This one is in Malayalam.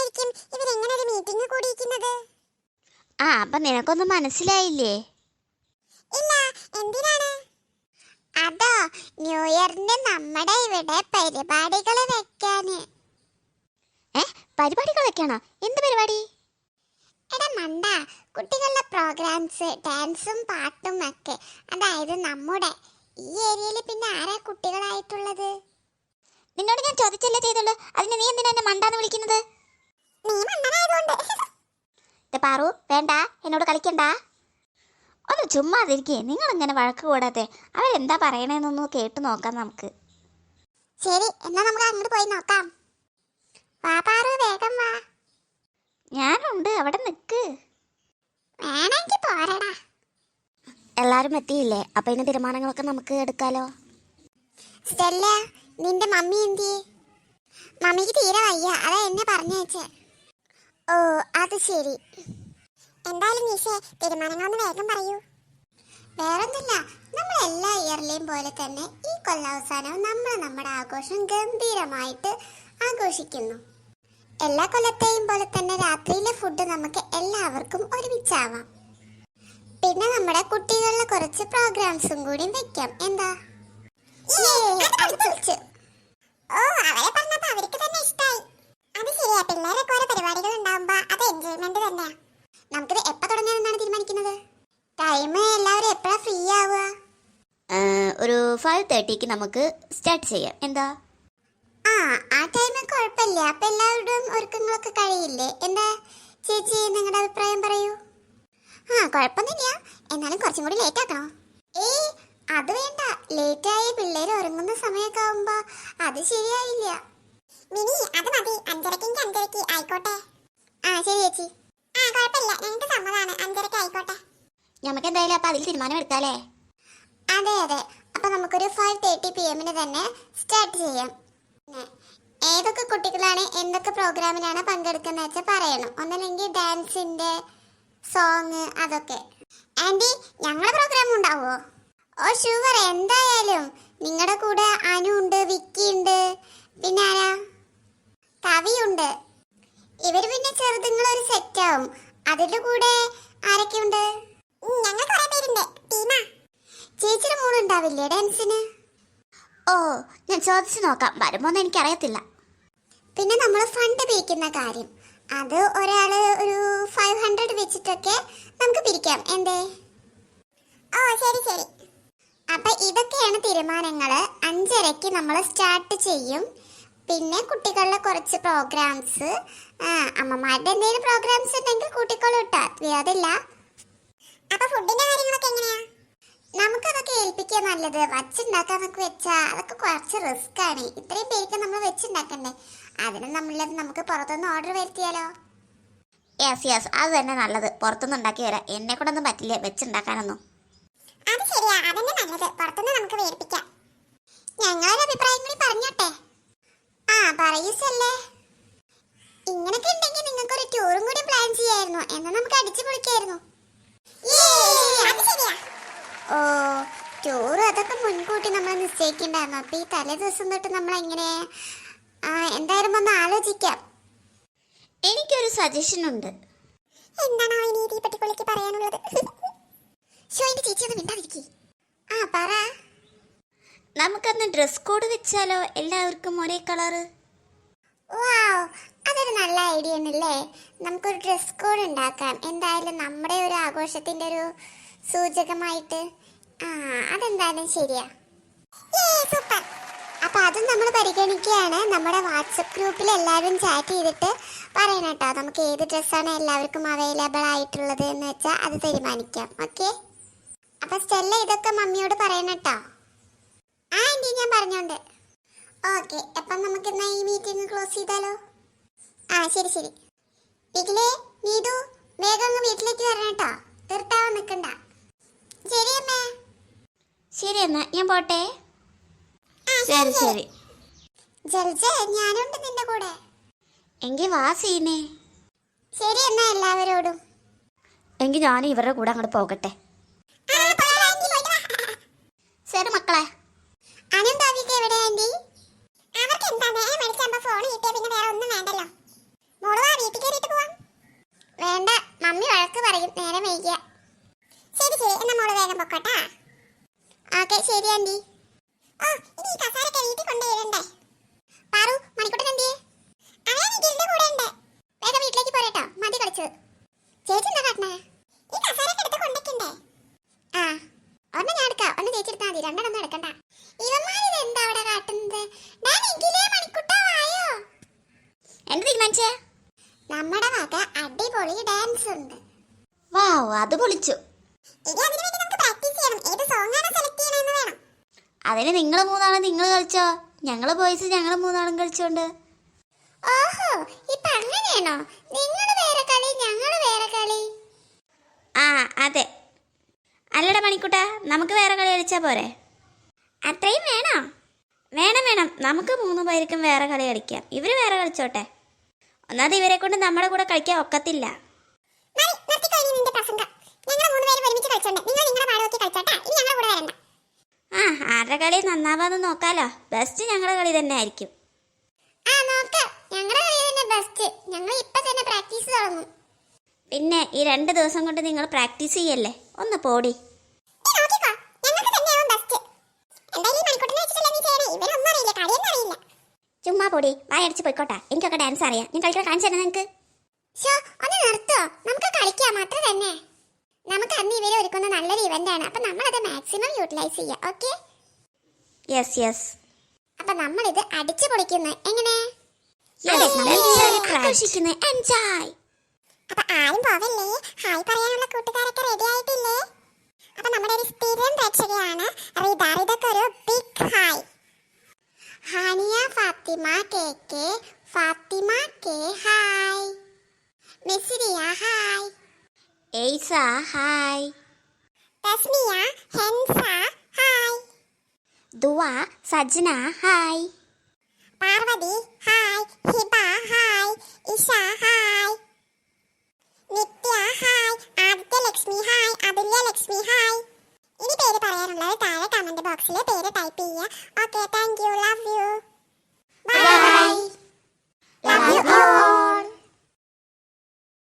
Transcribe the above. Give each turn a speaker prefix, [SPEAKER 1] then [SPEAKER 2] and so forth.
[SPEAKER 1] സമയത്തായിരിക്കും ഇവരെങ്ങനെ ഒരു മീറ്റിംഗ് കൂടിയിരിക്കുന്നത്?
[SPEAKER 2] അപ്പൊ നിനക്കൊന്നും മനസ്സിലായില്ലേ?
[SPEAKER 1] ഇല്ല, എന്തിനാണ്? അതോ ന്യൂ ഇയറിന് നമ്മുടെ ഇവിടെ പരിപാടികൾ വെക്കാന്.
[SPEAKER 2] പരിപാടികൾ വെക്കാണോ? എന്ത് പരിപാടി?
[SPEAKER 1] എടാ മണ്ട, കുട്ടികളുടെ പ്രോഗ്രാംസ്, ഡാൻസും പാട്ടും ഒക്കെ. അതായത് നമ്മുടെ ഈ ഏരിയയിൽ പിന്നെ ആരാ കുട്ടികളായിട്ടുള്ളത്?
[SPEAKER 2] നിന്നോട് ഞാൻ ചോദിച്ചല്ലേ ചെയ്തുള്ളൂ, അതിന് നീ എന്തിനാ എന്നെ മണ്ടാന്ന് വിളിക്കുന്നത്?
[SPEAKER 1] നീ മണ്ടനായതുകൊണ്ട്.
[SPEAKER 2] പാറു, വേണ്ട, എന്നോട് കളിക്കണ്ട. ഒന്ന് ചുമ്മാതിരിക്കേ. നിങ്ങളിങ്ങനെ വഴക്ക് കൂടാതെ അവരെന്താ പറയണേന്നൊന്ന് കേട്ടു നോക്കാം നമുക്ക്.
[SPEAKER 1] ശരി, എന്നാ നമുക്ക് അങ്ങോട്ട് പോയി നോക്കാം. വാ പാറു, വേഗം വാ.
[SPEAKER 2] ഞാനുണ്ട്, അവിടെ നിൽക്ക്.
[SPEAKER 1] വേണമെങ്കിൽ പോരടാ.
[SPEAKER 2] എല്ലാരും എത്തിയില്ലേ? അപ്പൊ ഇതിന് തീരുമാനങ്ങളൊക്കെ നമുക്ക് എടുക്കാലോ.
[SPEAKER 1] സ്റ്റെല്ല, നിന്റെ മമ്മി എന്തിയെ? മമ്മിക്ക് തീരെ വയ്യ, അതാ എന്നെ പറഞ്ഞയച്ചേ. ഓ, അത് ശരി. എന്തായാലും നിഷേ, തീരുമാനങ്ങളൊന്ന് വേഗം പറയൂ. വേറൊന്നുമില്ല, നമ്മൾ എല്ലാ ഇയറിലെയും പോലെ തന്നെ ഈ കൊല്ലാവസാനവും നമ്മൾ നമ്മുടെ ആഘോഷം ഗംഭീരമായിട്ട് ആഘോഷിക്കുന്നു. എല്ലാ കൊല്ലത്തെയും പോലെ തന്നെ രാത്രിയിലെ ഫുഡ് നമുക്ക് എല്ലാവർക്കും ഒരുമിച്ചാവാം. പിന്നെ നമ്മുടെ കുട്ടികളുടെ കുറച്ച് പ്രോഗ്രാംസും കൂടി വെക്കാം. എന്താ? ഓ, അവരെ പറഞ്ഞപ്പോ അവർക്ക് തന്നെ ഇഷ്ടായി. അത് ശരിയാ, പിള്ളേരൊക്കെ ഓരോ പരിപാടികൾ ഉണ്ടാവുമ്പോ അത് എൻജോയ്മെന്റ് തന്നെയാ. നമുക്കിത് എപ്പോ തുടങ്ങാനെന്നാണ് തീരുമാനിക്കുന്നത്? ടൈം എല്ലാവരും എപ്പോഴാ ഫ്രീ ആവുക?
[SPEAKER 2] ഒരു 5:30ക്ക് നമുക്ക് സ്റ്റാർട്ട് ചെയ്യാം. എന്താ?
[SPEAKER 1] ആ ടൈം കുഴപ്പമില്ല. അപ്പൊ എല്ലാവരുടെയും ഒരുക്കങ്ങളൊക്കെ കഴിയില്ലേ? എന്താ ചേച്ചി, നിങ്ങളുടെ അഭിപ്രായം പറയൂ. കുഴപ്പമൊന്നുമില്ല, എന്നാലും കുറച്ചും കൂടി ലേറ്റ് ആക്കണോ? അത് വേണ്ട, ലേറ്റായി പിള്ളേർ ഉറങ്ങുന്ന സമയമൊക്കെ ആവുമ്പോ അത് ശരിയായില്ല. മിനി, അത് മതി, 5:30 ആയിക്കോട്ടെ. ശരി ചേച്ചി. കുഴപ്പമില്ല, ഞങ്ങൾക്ക് സമ്മതമാണ്, 5:30 ആയിക്കോട്ടെ.
[SPEAKER 2] നമുക്ക് എന്തായാലും അപ്പൊ അതിൽ തീരുമാനം എടുക്കാല്ലേ?
[SPEAKER 1] അതെ അതെ, അപ്പൊ നമുക്കൊരു 5:30 PM തന്നെ സ്റ്റാർട്ട് ചെയ്യാം. ഏതൊക്കെ കുട്ടികളാണ് എന്തൊക്കെ പ്രോഗ്രാമിനാണ് പങ്കെടുക്കുന്നത് വെച്ചാൽ പറയണം. ഒന്നല്ലെങ്കിൽ ഡാൻസിന്റെ, സോങ്, അതൊക്കെ. ആന്റി, ഞങ്ങളുടെ പ്രോഗ്രാം ഉണ്ടാവോ? ഓ ഷുവർ, എന്തായാലും. നിങ്ങളുടെ കൂടെ അനു ഉണ്ട്, വിക്കി ഉണ്ട്, പിന്നെ ആരാ, കവിയുണ്ട്. ഇവര് പിന്നെ ചെറുതുങ്ങളൊരു സെറ്റ് ആവും. അതിന്റെ കൂടെ ആരൊക്കെയുണ്ട്? ഞങ്ങൾ കുറെ പേരുണ്ട്, ടീമാ. ചേച്ചിയുടെ മോളുണ്ടാവില്ലേ ഡാൻസിന്?
[SPEAKER 2] ഓ, ഞാൻ ചോദിച്ചു നോക്കാം, വരുമോന്ന് എനിക്കറിയത്തില്ല.
[SPEAKER 1] പിന്നെ നമ്മൾ ഫണ്ട് പിരിക്കുന്ന കാര്യം, അത് ഒരാള് ഒരു 500 വെച്ചിട്ടൊക്കെ നമുക്ക് പിരിക്കാം. എന്തേ? ഓ ശരി ശരി. അപ്പൊ ഇതൊക്കെയാണ് തീരുമാനങ്ങള്. 5:30ക്ക് നമ്മൾ സ്റ്റാർട്ട് ചെയ്യും. പിന്നെ കുട്ടികളുടെ കുറച്ച് പ്രോഗ്രാംസ്, അമ്മമാരുടെ എന്തെങ്കിലും പ്രോഗ്രാംസ് ഉണ്ടെങ്കിൽ കൂട്ടിക്കോളൂ കേട്ടോ, വിരോധമില്ല. അപ്പൊ ഫുഡിന്റെ കാര്യങ്ങളൊക്കെ എങ്ങനെയാ? നമുക്കതൊക്കെ ഏൽപ്പിക്കുക നല്ലത്. വച്ചുണ്ടാക്കാന്നൊക്കെ വെച്ചാ അതൊക്കെ കുറച്ച് റിസ്ക് ആണ്. ഇത്രയും പേർക്ക് നമ്മൾ വെച്ചുണ്ടാക്കണ്ടേ? അതിന് നമ്മളത് നമുക്ക് പുറത്തുനിന്ന് ഓർഡർ വരുത്തിയാലോ?
[SPEAKER 2] യെസ്, അത് തന്നെ നല്ലത്. പുറത്തുനിന്ന് ഉണ്ടാക്കി വരാം. എന്നെ കൊണ്ടൊന്നും പറ്റില്ല വെച്ചുണ്ടാക്കാനൊന്നും.
[SPEAKER 1] അത് ശരിയാ, അതന്നെ നല്ലത്. പുറത്തുനിന്ന് നമുക്ക് വേർപ്പിക്കാം. ഞങ്ങളൊരു അഭിപ്രായം കൂടി പറഞ്ഞോട്ടെ? പറയൂസല്ലേ. ഇങ്ങനൊക്കെ ഉണ്ടെങ്കിൽ നിങ്ങൾക്ക് ഒരു ടൂറും കൂടി പ്ലാൻ ചെയ്യായിരുന്നു. എന്നാ നമുക്ക് അടിച്ചു പൊളിക്കായിരുന്നു. ഓ, ടൂർ അതൊക്കെ മുൻകൂട്ടി നമ്മൾ നിശ്ചയിക്കണ്ടായിരുന്നു. അപ്പൊ ഈ തലേ ദിവസം തൊട്ട് നമ്മൾ എങ്ങനെ? എന്തായാലും ഒന്ന് ആലോചിക്കാം.
[SPEAKER 2] എനിക്കൊരു സജഷൻ ഉണ്ട്.
[SPEAKER 1] എന്താണ് ആ നീതി പറ്റിക്കൊള്ളിക്ക് പറയാനുള്ളത്? ചേച്ചി ഒന്ന് മിണ്ടാതിരിക്കേ. പറ.
[SPEAKER 2] നമുക്കന്ന് ഡ്രസ് കോഡ് വെച്ചാലോ? എല്ലാവർക്കും ഒരേ കളറ്.
[SPEAKER 1] അതൊരു നല്ല ഐഡിയ ആണല്ലേ. നമുക്കൊരു ഡ്രസ് കോഡ് ഉണ്ടാക്കാം. എന്തായാലും നമ്മുടെ ഒരു ആഘോഷത്തിന്റെ ഒരു സൂചകമായിട്ട്. അതെന്തായാലും ശരിയാ. സൂപ്പർ. അപ്പൊ അതും നമ്മൾ പരിഗണിക്കുകയാണ്. നമ്മുടെ വാട്സപ്പ് ഗ്രൂപ്പിൽ എല്ലാവരും ചാറ്റ് ചെയ്തിട്ട് പറയണം കേട്ടോ, നമുക്ക് ഏത് ഡ്രസ്സാണ് എല്ലാവർക്കും അവൈലബിൾ ആയിട്ടുള്ളത് എന്ന് വെച്ചാൽ അത് തീരുമാനിക്കാം. ഓക്കെ? അപ്പൊ സ്റ്റെല്ല ഇതൊക്കെ മമ്മിയോട് പറയണം കേട്ടോ. ആന്റി, ഞാൻ പറഞ്ഞോണ്ട്. ഓക്കെ, അപ്പം നമുക്ക് എന്നാ ഈ മീറ്റിംഗ് ക്ലോസ് ചെയ്താലോ? ശരി ശരി. ഇതിലേ നീതു, വേഗം അങ്ങ് വീട്ടിലേക്ക് വരണം കേട്ടോ, തീർത്താവാൻ നിൽക്കണ്ട. ശരി അമ്മേ.
[SPEAKER 2] ശരി എന്നാ ഞാൻ പോട്ടെ. ശരി.
[SPEAKER 1] ജൽജ, ഞാനുണ്ട് നിന്റെ കൂടെ.
[SPEAKER 2] എങ്കിൽ വാ സീനെ.
[SPEAKER 1] ശരി എന്നാ എല്ലാവരോടും.
[SPEAKER 2] എങ്കിൽ ഞാൻ ഇവരുടെ കൂടെ അങ്ങോട്ട് പോകട്ടെ. ശരി മക്കളെ.
[SPEAKER 1] അനന്താവിക്ക് എവിടെ ആന്റി? അവർക്ക് എന്താ നേരെ മേടിച്ചാകുമ്പോ ഫോൺ കിട്ടിയ പിന്നെ വേറെ ഒന്നും വേണ്ടല്ലോ. മോള് വാ വയ്യ. ശരി ശരി, എന്നാ മോള് വേഗം പൊക്കോട്ടാ. ഓക്കെ ശരി ആന്റി. ഓ ഇനി ഈ കസാരൊക്കെ വീട്ടിൽ കൊണ്ടുവരണ്ടേ? പാറു മണിക്കുട്ടൻ എന്തിയെ? അവൻ നിഖിലിന്റെ കൂടെ ഉണ്ട്. വേഗം വീട്ടിലേക്ക് പോരട്ടോ, മതി കളിച്ചത്. ചേച്ചി എന്താ കാട്ടണേ? ഈ കസാരൊക്കെ എടുത്ത് കൊണ്ടേക്കണ്ടേ? ആ ഒരെണ്ണം ഞാൻ എടുക്കാം, ഒന്ന് ചേച്ചി എടുത്താൽ മതി, രണ്ടെണ്ണം എടുക്കണ്ട. ഇവന്മാരിത് എന്താ അവിടെ കാട്ടുന്നത്?
[SPEAKER 2] എന്ത് തീരുമാനിച്ചേ?
[SPEAKER 1] നമ്മുടെ വക അടിപൊളി ഡാൻസ് ഉണ്ട്.
[SPEAKER 2] വാവ്, അത് പൊളിച്ചു. അതിന് നിങ്ങൾ മൂന്നാളും നിങ്ങൾ കളിച്ചോ, ഞങ്ങള് ബോയ്സ് ഞങ്ങൾ മൂന്നാളും കളിച്ചോണ്ട്.
[SPEAKER 1] ഓഹോ ഇപ്പൊ അങ്ങനെയാണോ? നിങ്ങൾ വേറെ കളി ഞങ്ങൾ വേറെ കളി.
[SPEAKER 2] ആ അതെ. അല്ലടാ മണിക്കുട്ട, നമുക്ക് വേറെ കളി കളിച്ചാ പോരെ?
[SPEAKER 1] അത്രയും വേണോ?
[SPEAKER 2] വേണം വേണം, നമുക്ക് 3 പേർക്കും വേറെ കളി കളിക്കാം. ഇവര് വേറെ കളിച്ചോട്ടെ. ഒന്നാമത് ഇവരെ കൊണ്ട് നമ്മുടെ കൂടെ കളിക്കാൻ ഒക്കത്തില്ല. ആ ആരുടെ കളി നന്നാവാന്ന് നോക്കാലോ. ബെസ്റ്റ് ഞങ്ങളുടെ കളി തന്നെ ആയിരിക്കും. പിന്നെ ഈ 2 ദിവസം കൊണ്ട് നിങ്ങൾ പ്രാക്ടീസ് ചെയ്യല്ലേ, ഒന്ന് പോടി. ചുമ്മാ പൊടി, വായടിച്ച് പോയിക്കോട്ടെ. എനിക്കൊക്കെ ഡാൻസ് അറിയാം, ഞാൻ കളിക്കാൻ കാണിച്ചു തരാം നിങ്ങൾക്ക്.
[SPEAKER 1] നമുക്ക് കളിക്കാം അത്ര തന്നെ. നമുക്ക് അന്ന് ഇവരെ ഒരുക്കുന്ന നല്ലൊരു ഇവന്റ് ആണ്, അപ്പൊ നമ്മൾ അത് മാക്സിമം യൂട്ടിലൈസ് ചെയ്യാം. Okay
[SPEAKER 2] yes yes.
[SPEAKER 1] അപ്പൊ നമ്മൾ ഇത് അടിച്ചു പൊളിക്കുന്നു. എങ്ങനെ?
[SPEAKER 2] എൻജോയ്.
[SPEAKER 1] അപ്പൊ ആരും പോവല്ലേ, ഹായ് പറയാനുള്ള കൂട്ടുകാരൊക്കെ റെഡി ആയിട്ടില്ലേ? അപ്പൊ നമ്മുടെ ഒരു സ്ഥിരം പ്രേക്ഷകയാണ് റിത. റിതക്ക് ഒരു big hi. Haniya Fathima K K, Fathima K hi. Misriya hi.
[SPEAKER 2] Aysa hi.
[SPEAKER 1] Thasmiya Hensa hi.
[SPEAKER 2] Dua Sajna hi.
[SPEAKER 1] Parvathy hi. Hiba hi. Isha hi. Nithya hi. Adithya Lakshmi hi. Athulya Lakshmi hi. ഇനി പേര് പറയാനുള്ളത് താഴെ കമന്റ് ബോക്സിൽ പേര് ടൈപ്പ് ചെയ്യുക. Okay thank you, love U.